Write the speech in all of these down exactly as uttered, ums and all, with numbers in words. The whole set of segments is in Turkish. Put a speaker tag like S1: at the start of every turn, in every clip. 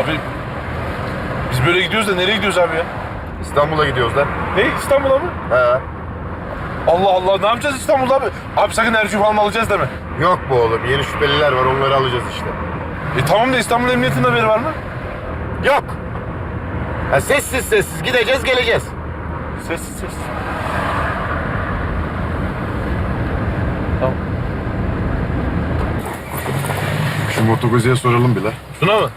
S1: Abi biz böyle gidiyoruz da nereye gidiyoruz abi ya?
S2: İstanbul'a gidiyoruz lan.
S1: Ne? İstanbul'a mı?
S2: He.
S1: Allah Allah, ne yapacağız İstanbul'da abi? Abi sakın enerji falan alacağız deme.
S2: Yok bu oğlum. Yeni şüpheliler var. Onları alacağız işte.
S1: E tamam da İstanbul Emniyeti'nin haberi var mı?
S2: Yok. Ha, sessiz sessiz gideceğiz geleceğiz.
S1: Sessiz sessiz. Tamam.
S2: Şu motokoziye soralım bile.
S1: Şuna mı?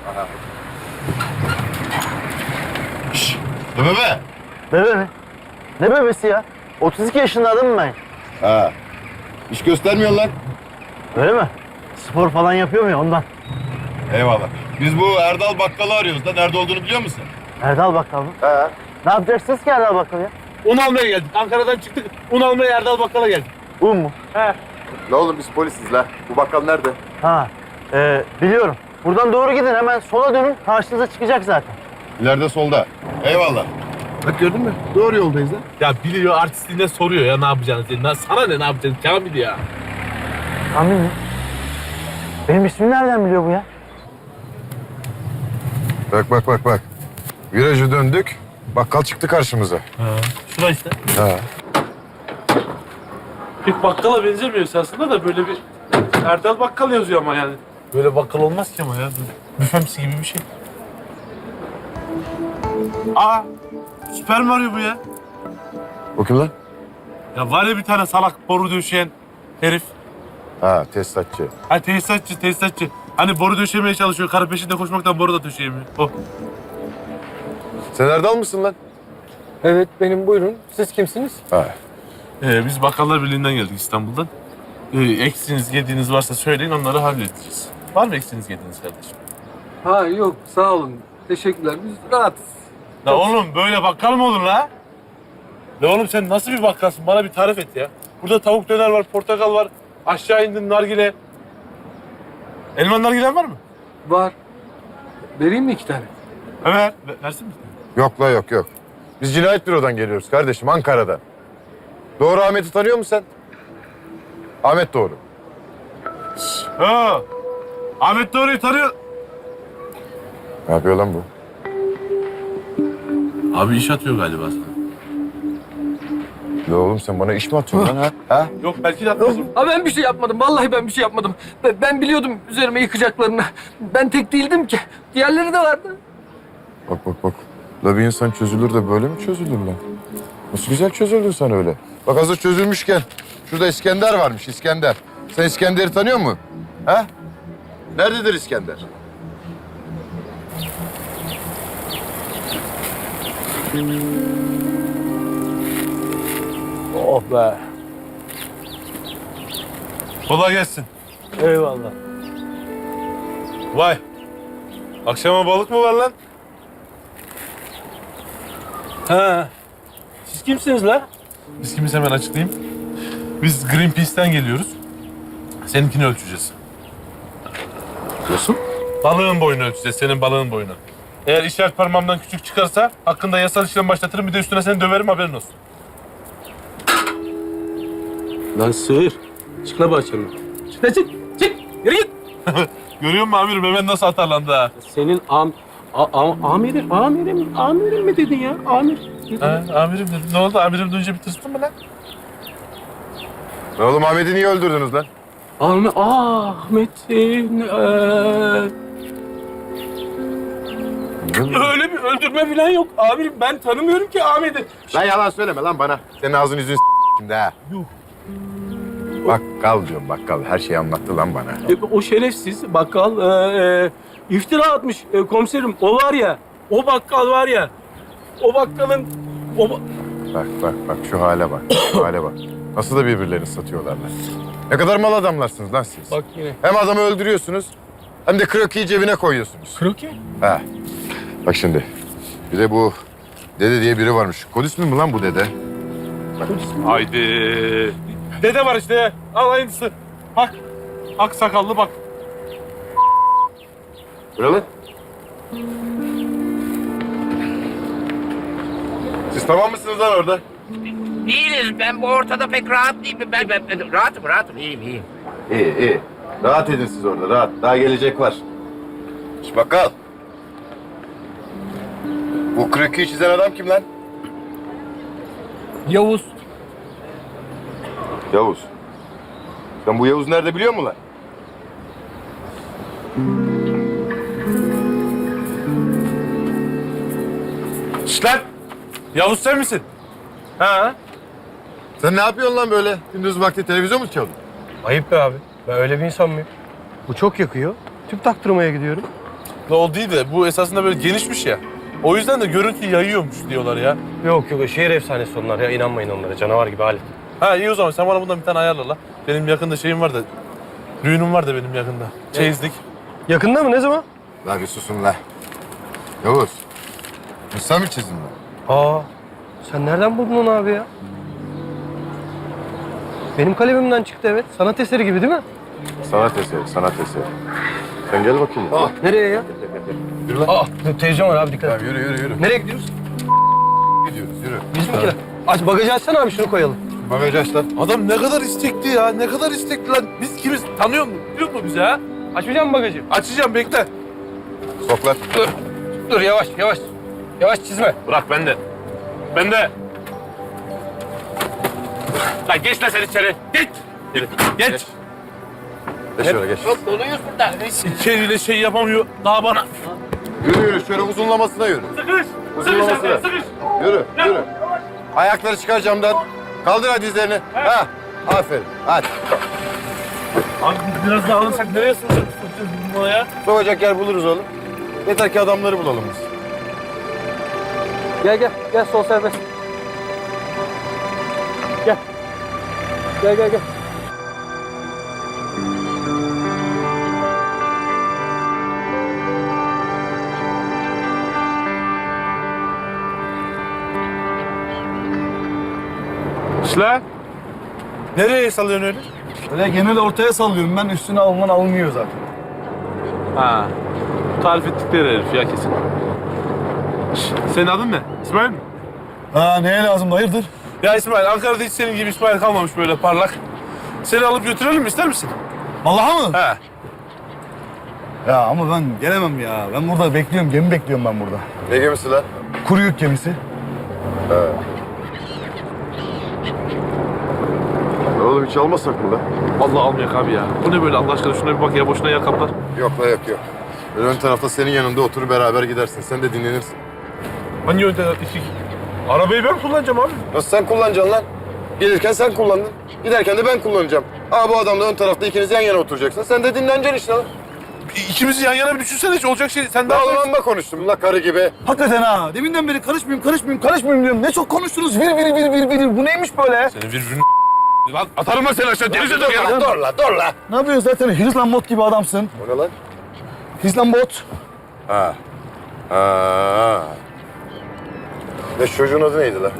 S2: Şşş. Deme be.
S3: Bebe mi? Ne bebesi ya? otuz iki yaşında adamım ben.
S2: Ha. İş göstermiyor lan.
S3: Öyle mi? Spor falan yapıyor mu ya ondan?
S2: Eyvallah. Biz bu Erdal Bakkal'ı arıyoruz da nerede olduğunu biliyor musun?
S3: Erdal Bakkal mı?
S2: He.
S3: Ne yapacaksınız ki Erdal Bakkal ya?
S1: Un almaya geldik. Ankara'dan çıktık. Un almaya Erdal Bakkal'a geldik.
S3: Un mu?
S1: He.
S2: La oğlum biz polisiz la. Bu bakkal nerede?
S3: Ha, e, biliyorum. Buradan doğru gidin, hemen sola dönün. Karşınıza çıkacak zaten.
S2: İleride solda. Eyvallah. Bak gördün mü? Doğru yoldayız lan.
S1: Ya biliyor, artistliğine soruyor ya ne yapacağını diye. Na- Sana ne ne yapacaksın Kamil ya?
S3: Kamil mi? Benim ismimi nereden biliyor bu ya?
S2: Bak bak bak bak. Virajı döndük. Bakkal çıktı karşımıza.
S1: Ha. Şuna işte.
S2: Ha.
S1: Pek bakkala benzemiyor aslında da böyle bir Erdal Bakkal yazıyor ama yani. Böyle bakkal olmaz ki ama ya. Büfemsi gibi bir şey. Aa! Süper Mario bu ya.
S2: O kim lan?
S1: Ya var ya bir tane salak boru döşeyen herif.
S2: Ha tesisatçı.
S1: Ha tesisatçı, tesisatçı. Hani boru döşemeye çalışıyor. Karı peşinde koşmaktan boru da döşeyemiyor. O.
S2: Sen Erdal mısın lan?
S4: Evet benim, buyurun. Siz kimsiniz?
S2: Ha.
S1: Ee, biz Bakkallar Birliği'nden geldik İstanbul'dan. Ee, eksiniz, yediğiniz varsa söyleyin, onları halledeceğiz. Var mı eksiniz, yediğiniz kardeşim?
S4: Ha yok, sağ olun. Teşekkürler. Biz rahatız.
S1: La oğlum böyle bakkal mı olur la? La oğlum sen nasıl bir bakkalsın? Bana bir tarif et ya. Burada tavuk döner var, portakal var. Aşağı indin nargile. Elman nargilen var mı?
S4: Var. Vereyim mi iki tane?
S1: Evet. Ver, versin mi?
S2: Yok la yok yok. Biz cinayet bürodan geliyoruz kardeşim Ankara'dan. Doğru Ahmet'i tanıyor musun sen? Ahmet Doğru.
S1: Ha. Ahmet Doğru'yu tanıyor.
S2: Ne yapıyor lan bu?
S1: Abi iş atıyor galiba sana.
S2: Ne oğlum sen bana iş mi atıyorsun lan ha? ha?
S1: Yok belki de atmaz.
S4: Ha ben bir şey yapmadım. Vallahi ben bir şey yapmadım. Ben, ben biliyordum üzerime yıkacaklarını. Ben tek değildim ki. Diğerleri de vardı.
S2: Bak bak bak. La bir insan çözülür de böyle mi çözülür lan? Nasıl güzel çözüldün sen öyle. Bak hazır çözülmüşken şurada İskender varmış İskender. Sen İskender'i tanıyor musun? Ha? Nerededir İskender?
S3: Oh be.
S1: Kolay gelsin.
S3: Eyvallah.
S1: Vay. Akşama balık mı var lan?
S3: Ha. Siz kimsiniz la?
S1: Biz kimiz hemen açıklayayım. Biz Greenpeace'ten geliyoruz. Seninkini ölçeceğiz.
S2: Nasıl?
S1: Balığın boyunu ölçeceğiz, senin balığın boyunu. Eğer işaret parmağımdan küçük çıkarsa hakkında yasal işlem başlatırım, bir de üstüne seni döverim, haberin olsun.
S5: Lan sığır. Çık la bahçemden. Çık la çık. Çık. Yürü git.
S1: Görüyor musun amirim, hemen nasıl atarlandı ha?
S5: Senin am... A, am amirim, amirim, amirim mi dedin ya? Amir. Dedin.
S1: Ha, amirim dedim. Ne oldu? Amirim duyunca bir tırstın mı lan?
S2: Ne oğlum Ahmet'i niye öldürdünüz lan?
S5: Ahmet, Ahmet'in... eee, öyle bir öldürme falan yok. Amirim ben tanımıyorum ki Ahmet'i.
S2: Lan yalan söyleme lan bana. Senin ağzını yüzünü s*** şimdi ha.
S1: Yuh.
S2: Bakkal diyorum bakkal. Her şeyi anlattı lan bana.
S5: E, O şerefsiz bakkal eee, iftira atmış e, komiserim. O var ya, o bakkal var ya, o bakkalın... O ba-
S2: Bak bak bak şu hale bak. Şu hale bak. Nasıl da birbirlerini satıyorlar lan. Ne kadar mal adamlarsınız lan siz.
S5: Bak yine.
S2: Hem adamı öldürüyorsunuz hem de krokiyi cebine koyuyorsunuz.
S5: Kroki.
S2: Ha. Bak şimdi. Bir de bu dede diye biri varmış. Kod ismi mi lan bu dede?
S1: Haydi. Dede var işte. Al aynısı. Bak. Ak sakallı bak.
S2: Buralı. Siz tamam mısınız lan orada?
S6: Değiliz. Ben bu ortada pek rahat değilim. Ben, ben, ben rahatım, rahatım. İyiyim, iyiyim.
S2: İyi iyi. Rahat edin siz orada rahat. Daha gelecek var. Şş bakkal. Bu krokiyi çizen adam kim lan?
S4: Yavuz.
S2: Yavuz. Sen bu Yavuz nerede biliyor musun lan?
S1: Şşt lan! Yavuz sen misin?
S5: Ha?
S2: Sen ne yapıyorsun lan böyle? Gündüz vakti televizyon mu çalıyorsun?
S5: Ayıp be abi. Ben öyle bir insan mıyım? Bu çok yakıyor. Tüp taktırmaya gidiyorum.
S1: Ne o değil de bu esasında böyle genişmiş ya. O yüzden de görüntü yayıyormuş diyorlar ya.
S5: Yok yok şehir efsanesi onlar ya. İnanmayın onlara. Canavar gibi alet.
S1: Ha iyi o zaman sen bana bundan bir tane ayarla la. Benim yakında şeyim var da, düğünüm var da benim yakında. Çeyizlik.
S5: Yakında mı? Ne zaman?
S2: La bir susun la. Yavuz. Bu sen mi çizdin lan?
S5: Aa, sen nereden buldun onu abi ya? Benim kalemimden çıktı evet. Sanat eseri gibi değil mi?
S2: Sanat eseri, sanat eseri. Sen gel bakayım.
S5: Aa, nereye ya?
S2: Yürü lan.
S5: Aa, televizyon var abi dikkat et.
S2: Tamam yürü yürü yürü.
S5: Nereye gidiyoruz?
S2: Gidiyoruz yürü.
S5: Bizimkiler. Aç bagajı açsana abi şunu koyalım.
S2: Bagajı aç lan.
S1: Adam ne kadar istekli ya, ne kadar istekli lan. Biz kimiz? Tanıyor musun? Biliyor musun bizi ha?
S5: Açmayacak mısın bagajı?
S1: Açacağım bekle.
S2: Sok lan.
S5: Dur. Dur yavaş yavaş. Yavaş çizme.
S1: Bırak bende. Bende. Lan geç lan sen içeri. Geç. Geç. Geç.
S2: Geç şöyle geç.
S6: Çok doluyuz burada.
S1: İçeriyle şey yapamıyor daha bana.
S2: Yürü yürü şöyle uzunlamasına yürü.
S1: Sıkış.
S2: Uzunlamasına.
S1: Sıkış.
S2: Yürü yürü. Ayakları çıkar camdan. Kaldır hadi dizlerini. Ha. Aferin. Hadi.
S1: Abi biz biraz daha alırsak nereye sığacağız biz buraya?
S2: Sokacak yer buluruz oğlum. Yeter ki adamları bulalım biz.
S5: Gel gel. Gel sol serbest. Gel. Gel gel gel.
S1: İşte. Nereye salıyorsun öyle?
S3: Öyle genel ortaya sallıyorum ben. Üstüne alınan alınmıyor zaten.
S1: Ha. Tarif ettikleri herif ya kesin. Şş, senin adın ne? İsmail mi?
S3: Ha neye lazım hayırdır?
S1: Ya İsmail, Ankara'da hiç senin gibi İsmail kalmamış böyle parlak. Seni alıp götürelim mi, ister misin?
S3: Vallahi mı?
S1: He.
S3: Ya ama ben gelemem ya. Ben burada bekliyorum. Gemi bekliyorum ben burada.
S2: Ne gemisi lan?
S3: Kuru yük gemisi.
S2: Ne oğlum hiç almasak mı lan?
S1: Allah almayak abi ya. Bu ne böyle Allah aşkına, şuna bir bak ya, boşuna yer kaplar.
S2: Yok la yok yok. Böyle ön tarafta senin yanında oturup beraber gidersin. Sen de dinlenirsin.
S1: Hangi yönde? İki... Arabayı ben kullanacağım abi.
S2: Nasıl sen kullanacaksın lan? Gelirken sen kullandın. Giderken de ben kullanacağım. Aa bu adamla ön tarafta ikiniz yan yana oturacaksınız. Sen de dinleneceksin işte lan.
S1: İkimizi yan yana bir düşünsene, hiç olacak şey. Sen
S2: Daha
S1: daha...
S2: o zaman da konuştum la karı gibi.
S3: Hakikaten ha. Deminden beri karışmayayım, karışmayayım, karışmayayım diyorum. Ne çok konuştunuz. Vir vir vir vir vir. Bu neymiş böyle?
S1: Senin virgülün... Lan atarım ben seni aşağı, denize dök ya.
S2: Dur la dur la.
S3: Ne yapıyorsun zaten? Hizlambot gibi adamsın.
S2: O ne lan?
S3: Hizlambot.
S2: Ha. Ha. Ne çocuğun adı neydi la?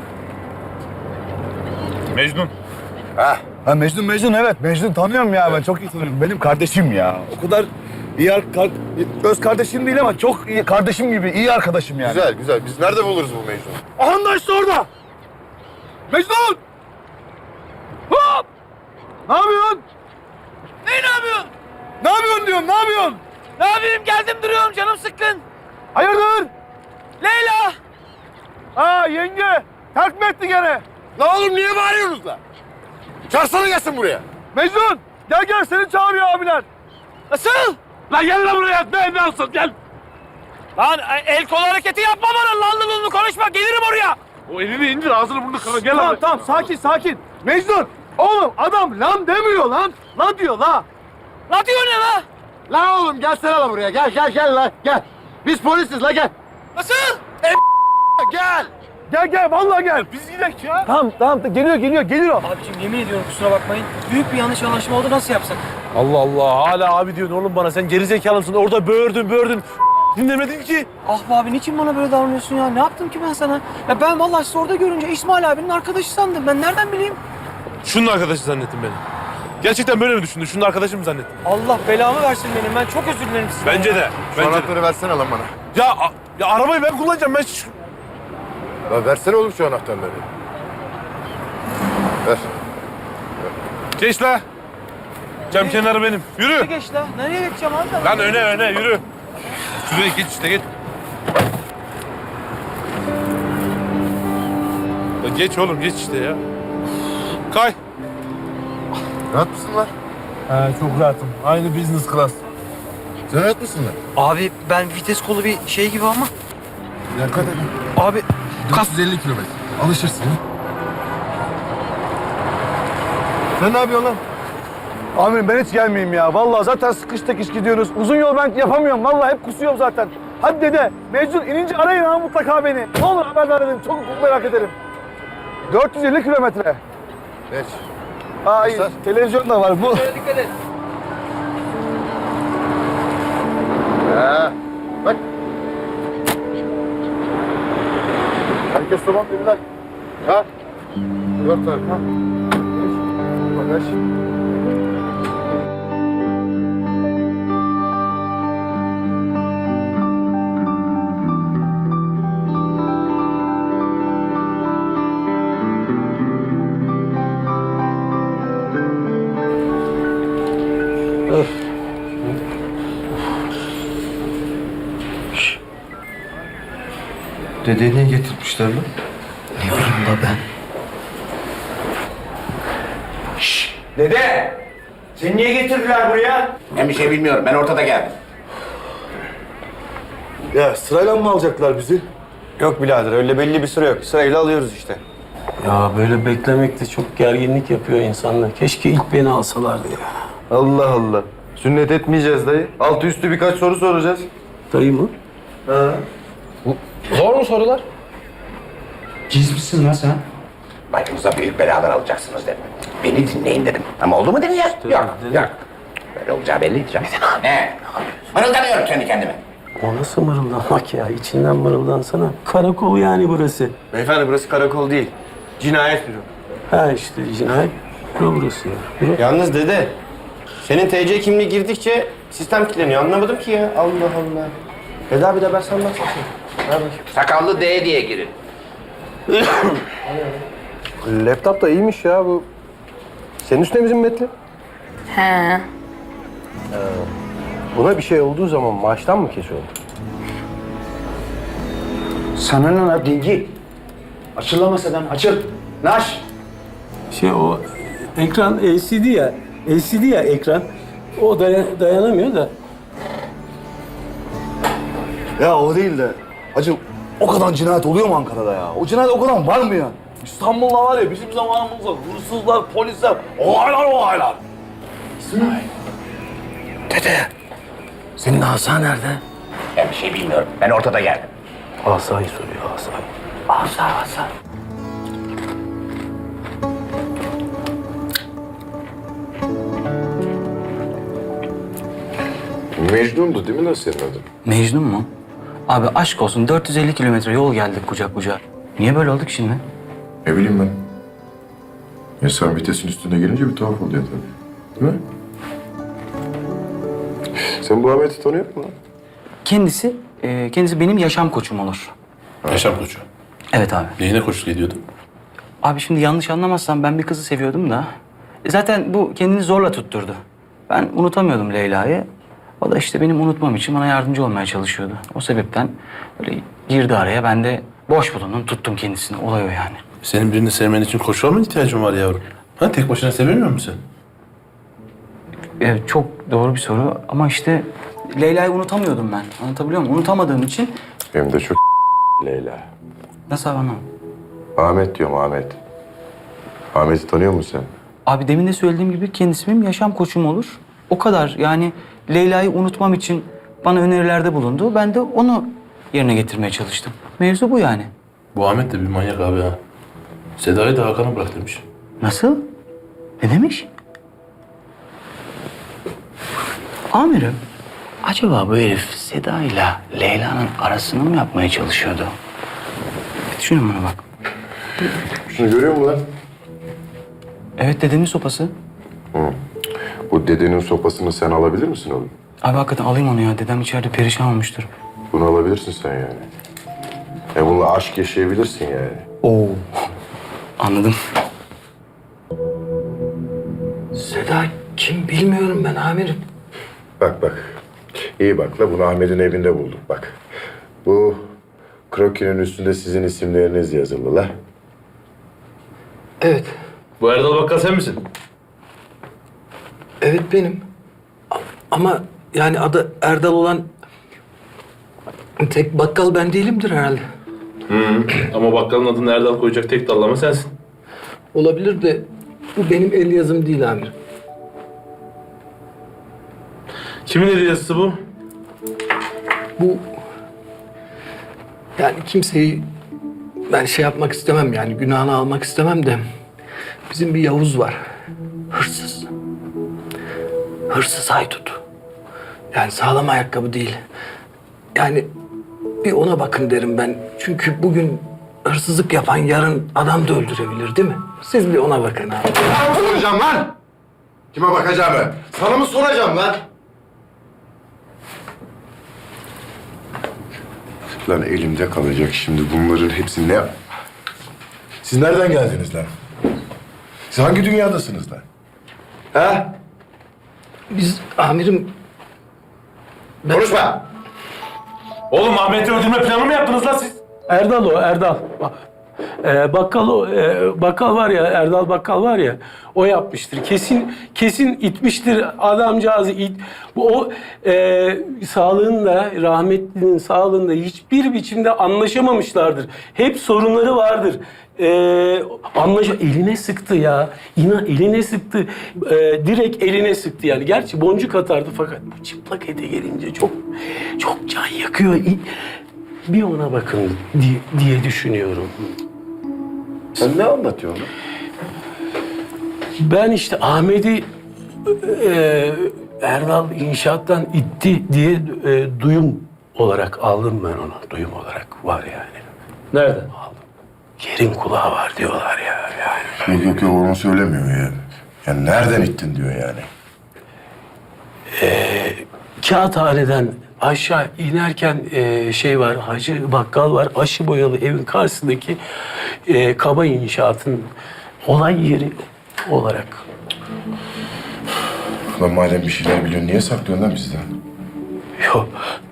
S1: Mecnun.
S2: Ha.
S3: Ha Mecnun Mecnun evet. Mecnun tanıyorum ya ben. Çok iyi tanıyorum. Benim kardeşim ya. O kadar iyi ar- kar- öz kardeşim değil ama çok iyi kardeşim gibi iyi arkadaşım yani.
S2: Güzel güzel. Biz nerede buluruz bu Mecnun'u?
S3: Aha da işte orada. Mecnun! Hop! Ne yapıyorsun?
S4: Ne ne yapıyorsun?
S3: Ne yapıyorsun diyorum, ne yapıyorsun?
S4: Ne yapayım, geldim duruyorum, canım sıkkın.
S3: Hayırdır?
S4: Leyla.
S3: Ha yenge, terk mi etti gene?
S2: La oğlum niye bağırıyorsunuz la? Çağırsana gelsin buraya.
S3: Mecnun, gel gel seni çağırıyor abiler.
S4: Nasıl?
S1: Lan gel lan buraya, ne ne olsun gel.
S4: Lan el kol hareketi yapma bana, lanlı lunlu konuşma, gelirim oraya.
S1: O elini indir, ağzını burnunu kırma, gel
S3: Tamam
S1: abi.
S3: tamam, sakin sakin. Mecnun, oğlum adam lan demiyor lan. La diyor la.
S4: La diyor ne la?
S2: La oğlum gelsene la buraya. Gel gel gel la gel. Biz polisiz la gel.
S4: Nasıl?
S2: Gel.
S3: Gel gel, vallahi gel.
S1: Biz gidelim ya.
S3: Tamam tamam, geliyor geliyor geliyor.
S7: Abiciğim yemin ediyorum kusura bakmayın. Büyük bir yanlış anlaşma oldu, nasıl yapsak?
S1: Allah Allah, hala abi diyorsun oğlum bana. Sen gerizekalı mısın? Orada böğürdün böğürdün. Dinlemedin ki.
S7: Ah be abi niçin bana böyle davranıyorsun ya? Ne yaptım ki ben sana? Ya ben vallahi sizi orada görünce İsmail abinin arkadaşı sandım. Ben nereden bileyim?
S1: Şunun arkadaşı zannettim beni. Gerçekten böyle mi düşündün? Şunun arkadaşı mı zannettin?
S7: Allah belamı versin benim. Ben çok özür dilerim sizden.
S1: Bence de.
S2: Şu
S1: Bence de.
S2: anahtarı versene lan bana.
S1: Ya, a- ya arabayı ben kullanacağım. Ben şu...
S2: La versene oğlum şu anahtarları. Ver.
S1: Geç la. Cam kenarı benim. Yürü.
S7: Geç la. Nereye geçeceğim abi?
S1: Lan öne öne yürü. Şuraya geç işte geç. Geç oğlum geç işte ya. Kay.
S2: Rahat mısın lan?
S1: He çok rahatım. Aynı business class.
S2: Sen rahat mısın lan?
S7: Abi ben vites kolu bir şey gibi ama.
S2: Dikkat edin.
S7: Abi
S2: dört yüz elli kilometre. Alışırsın. Sen ne yapıyorsun lan?
S3: Amirim ben hiç gelmeyeyim ya. Vallahi zaten sıkış tekiş gidiyoruz. Uzun yol ben yapamıyorum. Vallahi hep kusuyorum zaten. Hadi dede. Mecnun inince arayın ha mutlaka beni. Ne olur haberdar edin. Çok merak ederim. dört yüz elli kilometre.
S2: Geç.
S3: Hayır.
S2: Göster.
S3: Televizyon da var bu.
S4: Dikkat et.
S2: Ha. Bak. Herkes tamam değil mi lan? Ha? Dört tane. Ha. Bagaj.
S3: Dedeyi niye getirmişler lan?
S7: ne bileyim baba ben.
S8: Dede! Seni niye getirdiler buraya?
S6: Ben bir şey bilmiyorum. Ben ortada geldim.
S3: Ya sırayla mı alacaklar bizi?
S8: Yok birader öyle belli bir süre yok. Sırayla alıyoruz işte.
S5: Ya böyle beklemek de çok gerginlik yapıyor insanlar. Keşke ilk beni alsalardı ya.
S2: Allah Allah. Sünnet etmeyeceğiz dayı. Altı üstü birkaç soru soracağız.
S5: Dayı mı?
S6: Zor mu sorular?
S7: Cizmişsin lan sen.
S6: Başınıza büyük belalar alacaksınız dedim. Beni dinleyin dedim. Ama oldu mu dedin ya? Yok, yok. Böyle olacağı belli. Ne? Mırıldanıyorum kendi kendime.
S5: O nasıl mırıldanmak ya? İçinden mırıldansana. Karakol yani burası.
S8: Beyefendi burası karakol değil. Cinayet büro.
S5: Ha işte cinayet büro burası ya. Büro.
S8: Yalnız dede, senin T C kimliği girdikçe sistem kilitleniyor. Anlamadım ki ya. Allah Allah. Dede abi de ben sen bahsedeyim. Ver bakayım.
S6: Sakallı D diye girin.
S8: Laptop da iyiymiş ya bu. Senin üstüne bizim metli.
S9: He.
S8: Buna bir şey olduğu zaman maaştan mı kesiyor?
S3: Sana ne lan dingi? Açıl lan masadan açıl. Naş.
S5: Şey o ekran L C D ya. L C D ya ekran. O daya- dayanamıyor da.
S3: Ya o değil de. Hacı o kadar cinayet oluyor mu Ankara'da ya? O cinayet o kadar var mı ya? İstanbul'da var ya bizim zamanımızda hırsızlar, polisler, olaylar olaylar.
S7: Dede. Senin asa nerede?
S6: Ben bir şey bilmiyorum. Ben ortada geldim.
S5: Asayı soruyor asayı.
S7: Asa asa.
S2: Mecnun'du değil mi lan senin adın?
S7: Mecnun mu? Abi aşk olsun dört yüz elli kilometre yol geldik kucak kucağa. Niye böyle olduk şimdi?
S2: Ne bileyim ben. İnsan vitesin üstüne gelince bir tuhaf oluyor tabii. Değil mi? Sen bu Ahmet'i tanıyor musun lan?
S7: Kendisi, e, kendisi benim yaşam koçum olur.
S1: Yaşam koçu.
S7: Evet abi.
S1: Neyine koçluk ediyordun?
S7: Abi şimdi yanlış anlamazsan ben bir kızı seviyordum da. E, zaten bu kendini zorla tutturdu. Ben unutamıyordum Leyla'yı. O da işte benim unutmam için bana yardımcı olmaya çalışıyordu. O sebepten böyle girdi araya. Ben de boş bulundum, tuttum kendisini. Olay o yani.
S1: Senin birini sevmen için koçluğa mı ihtiyacın var yavrum? Ha tek başına sevemiyor musun sen?
S7: Evet, çok doğru bir soru ama işte Leyla'yı unutamıyordum ben. Anlatabiliyor muyum? Unutamadığım için
S2: Hem de çok Leyla.
S7: nasıl abi anlamadım?
S2: Ahmet diyorum Ahmet. Ahmet'i tanıyor musun sen?
S7: Abi demin de söylediğim gibi kendisi benim yaşam koçum olur. O kadar yani Leyla'yı unutmam için bana önerilerde bulundu. Ben de onu yerine getirmeye çalıştım. Mevzu bu yani.
S1: Bu Ahmet de bir manyak abi ha. Seda'yı da Hakan'a bırak demiş.
S7: Nasıl? Ne demiş? Amirim, acaba bu herif Seda ile Leyla'nın arasını mı yapmaya çalışıyordu? Bir düşünün buna bak.
S2: Şunu görüyor musun lan?
S7: Evet, dedemin sopası.
S2: Bu dedenin sopasını sen alabilir misin oğlum?
S7: Abi hakikaten alayım onu ya. Dedem içeride perişan olmuştur.
S2: Bunu alabilirsin sen yani. E bununla aşk yaşayabilirsin yani.
S7: Oo. Anladım. Seda kim bilmiyorum ben amirim.
S2: Bak bak. İyi bak la bunu Ahmet'in evinde bulduk bak. Bu krokinin üstünde sizin isimleriniz yazılı la.
S4: Evet.
S1: Bu Erdal Bakkal sen misin?
S4: Evet benim. A- Ama yani adı Erdal olan tek bakkal ben değilimdir herhalde.
S1: Ama bakkalın adını Erdal koyacak tek dallama sensin.
S4: Olabilir de bu benim el yazım değil amirim.
S1: Kimin eli yazısı bu?
S4: Bu yani kimseyi ben şey yapmak istemem yani günahını almak istemem de bizim bir Yavuz var. Hırsız. Hırsız haydut. Yani sağlam ayakkabı değil. Yani bir ona bakın derim ben. Çünkü bugün hırsızlık yapan yarın adam da öldürebilir değil mi? Siz bir ona bakın abi.
S2: Sana mı soracağım lan? Kime bakacağımı? Sana mı soracağım lan? Lan elimde kalacak şimdi bunların hepsi ne? Siz nereden geldiniz lan? Siz hangi dünyadasınız lan? Ha?
S4: Biz amirim
S2: Konuşma!
S1: Oğlum Ahmet'i öldürme planı mı yaptınız lan siz?
S5: Erdal o, Erdal. Bak, Ee, bakkal o, e, bakkal var ya, Erdal Bakkal var ya, o yapmıştır. Kesin, kesin itmiştir adamcağızı it. Bu o e, sağlığında, rahmetlinin sağlığında hiçbir biçimde anlaşamamışlardır. Hep sorunları vardır. Ee, anlaş eline sıktı ya. İna eline sıktı. Ee, direkt eline sıktı yani. Gerçi boncuk atardı fakat bu çıplak ete gelince çok çok can yakıyor. İ- Bir ona bakın diye, diye düşünüyorum.
S2: Sen ne anlatıyorsun lan?
S5: Ben işte Ahmet'i e, Erdal inşaattan itti diye e, duyum olarak aldım ben onu. Duyum olarak var yani.
S1: Nerede?
S5: Yerin kulağı var diyorlar ya yani.
S2: Yok yok yok onu söylemiyor ya. Yani nereden ittin diyor yani.
S5: Kağıthaneden aşağı inerken e, şey var, Hacı Bakkal var. Aşı boyalı evin karşısındaki e, kaba inşaatın olay yeri olarak.
S2: Lan madem bir şeyler biliyorsun niye saklıyorsun lan bizden?
S5: Yok.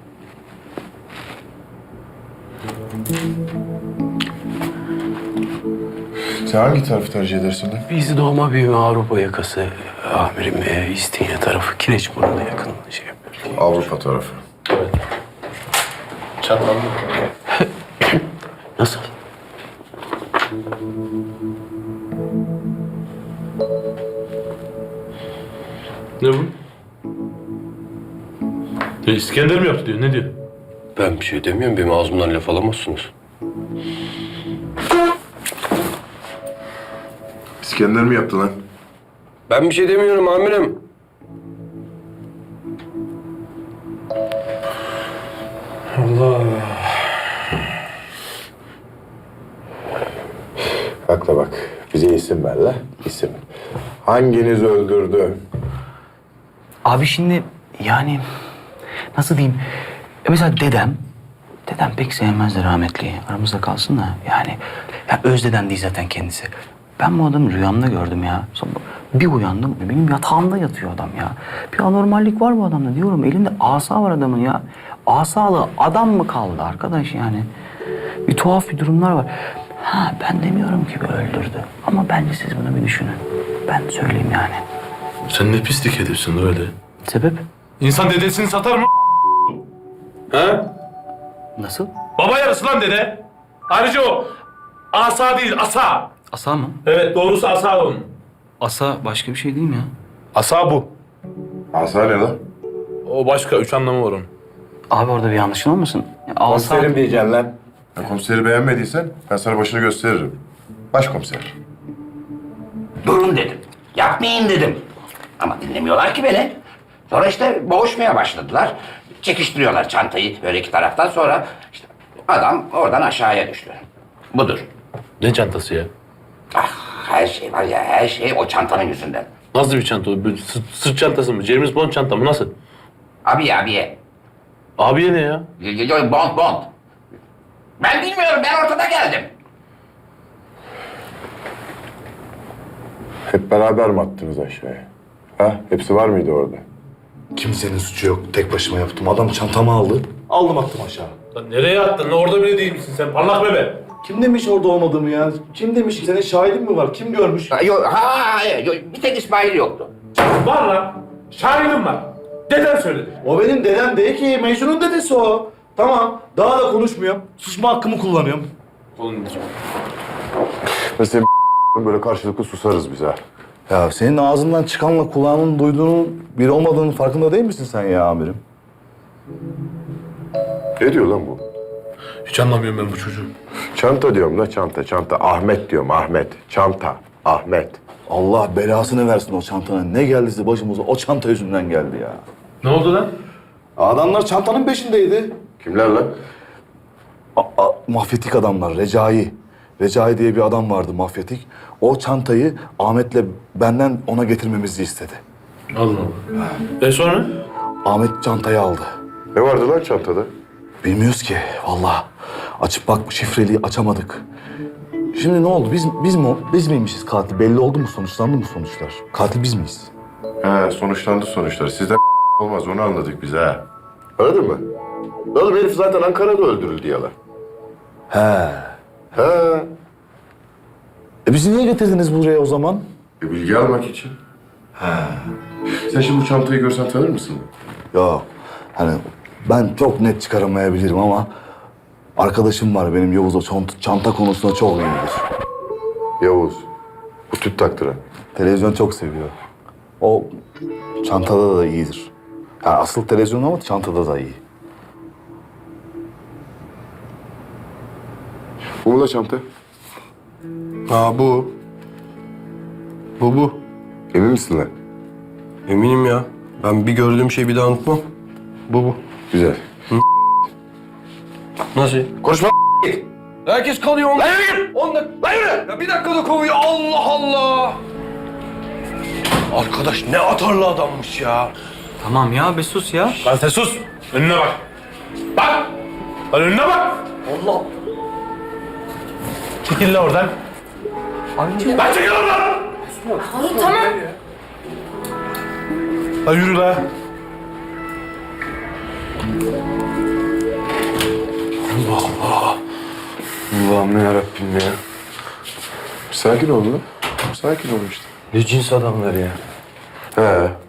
S2: Sen hangi tarafı tercih edersin lan?
S5: Biz doğma büyüme Avrupa yakası amirim. E, İstinye tarafı, Kireçburnu'na yakın şey yapıyoruz.
S2: Avrupa tarafı.
S1: Çatlandı.
S5: Nasıl?
S1: Ne bu? Ya İskender mi yaptı diyor, ne diyor?
S9: Ben bir şey demiyorum. Benim ağzımdan laf alamazsınız.
S2: İskender mi yaptı lan?
S9: Ben bir şey demiyorum amirim.
S2: Bak da bak. Bize isim ver la. İsim. Hanginiz öldürdü?
S7: Abi şimdi yani nasıl diyeyim? E mesela dedem, dedem pek sevmezdi rahmetliyi. Aramızda kalsın da yani. Ya öz dedem değil zaten kendisi. Ben bu adamı rüyamda gördüm ya. Sonra bir uyandım, benim yatağımda yatıyor adam ya. Bir anormallik var bu adamda diyorum. Elinde asa var adamın ya. Asalı adam mı kaldı arkadaş yani? Bir tuhaf bir durumlar var. Ha ben demiyorum ki bir öldürdü. Ama bence siz bunu bir düşünün. Ben söyleyeyim yani.
S1: Sen ne pislik ediyorsun öyle.
S7: Sebep?
S1: İnsan dedesini satar mı? Ha?
S7: Nasıl?
S1: Baba yarısı lan dede. Ayrıca o asa değil, asa.
S7: Asa mı?
S1: Evet, doğrusu asa onun.
S7: Asa başka bir şey değil mi ya?
S1: Asa bu.
S2: Asa ne lan?
S1: O başka, üç anlamı var onun.
S7: Abi orada bir yanlışın olmasın? Ya, asa...
S2: Komiserim diyeceksin lan. Ya komiseri beğenmediysen ben sana başını gösteririm. Başkomiser.
S6: Durun dedim. Yapmayın dedim. Ama dinlemiyorlar ki beni. Sonra işte boğuşmaya başladılar. Çekiştiriyorlar çantayı böyle iki taraftan, sonra işte adam oradan aşağıya düştü. Budur.
S1: Ne çantası ya?
S6: Ah, her şey var ya, her şey o çantanın yüzünden.
S1: Nasıl bir çanta o? Böyle sırt, sırt çantası mı? James Bond çanta mı? Nasıl?
S6: Abi abiye.
S1: Abiye ne ya?
S6: Y- y- y- Bond bond. Ben bilmiyorum, ben ortada geldim.
S2: Hep beraber mi attınız aşağıya? Ha? Hepsi var mıydı orada?
S3: Kimsenin suçu yok. Tek başıma yaptım. Adam çantamı aldı. Aldım attım aşağı.
S1: Lan nereye attın? Orada bile değil misin sen? Parlak bebe.
S3: Kim demiş orada olmadığımı ya? Kim demiş? Senin şahidin mi var? Kim görmüş?
S6: Ha, Yok, hayır, yok. Bir tek İsmail yoktu.
S1: Var lan. Şahidim var. Deden söyledi.
S3: O benim dedem değil ki. Mecnun'un dedesi o. Tamam. Daha da konuşmuyorum. Susma hakkımı kullanıyorum.
S2: Mesela böyle karşılıklı susarız biz ha.
S3: Ya senin ağzından çıkanla kulağının duyduğunun bir olmadığının farkında değil misin sen ya amirim?
S2: Ne diyor lan bu?
S1: Hiç anlamıyorum ben bu çocuğu.
S2: Çanta diyorum la çanta, çanta. Ahmet diyorum, Ahmet. Çanta, Ahmet.
S3: Allah belasını versin o çantanın. Ne geldiyse başımıza o çanta yüzünden geldi ya.
S1: Ne oldu lan?
S3: Adamlar çantanın peşindeydi.
S2: Kimler lan?
S3: A- a- mafyatik adamlar, Recai. Recai diye bir adam vardı mafyatik. O çantayı Ahmet'le benden ona getirmemizi istedi.
S1: Allah Allah. Ve sonra?
S3: Ahmet çantayı aldı.
S2: Ne vardı lan çantada?
S3: Bilmiyoruz ki vallahi. Açıp bak şifreliği açamadık. Şimdi ne oldu? Biz biz mi biz miymişiz katil? Belli oldu mu? Sonuçlandı mı sonuçlar? Katil biz miyiz?
S2: He, sonuçlandı sonuçlar. Sizden olmaz, onu anladık biz ha. Anladın mı? Oğlum herif zaten Ankara'da öldürüldü yalan.
S3: He.
S2: He.
S3: E bizi niye getirdiniz buraya o zaman?
S2: E, bilgi almak için. He. Sen şimdi bu çantayı görsen tanır mısın?
S3: Yok. Hani ben çok net çıkaramayabilirim ama arkadaşım var benim Yavuz o çanta, çanta konusunda çok iyidir.
S2: Yavuz. Bu tüp taktıran.
S3: Televizyon çok seviyor. O çantada da iyidir. Yani asıl televizyon ama çantada da iyi.
S2: Bu mu la çanta?
S9: Ha bu. Bu bu.
S2: Emin misin lan?
S9: Eminim ya. Ben bir gördüğüm şeyi bir daha unutmam. Bu bu.
S2: Güzel.
S9: Nasıl?
S2: Konuşma.
S9: Herkes kalıyor. Lan yürü! On dakika. Lan yürü! Ya bir dakikada kovuyor. Allah Allah! Arkadaş ne atarlı adammış ya.
S7: Tamam ya bir sus ya.
S1: Lan sen sus. Önüne bak. Bak. Lan önüne bak.
S7: Allah.
S1: Çekil lan oradan. Lan çekil oradan.
S10: Tamam.
S1: Lan yürü lan.
S2: Allah'ım yarabbim ya. Sakin ol lan. Sakin ol işte.
S9: Ne cins adamlar ya.
S2: He.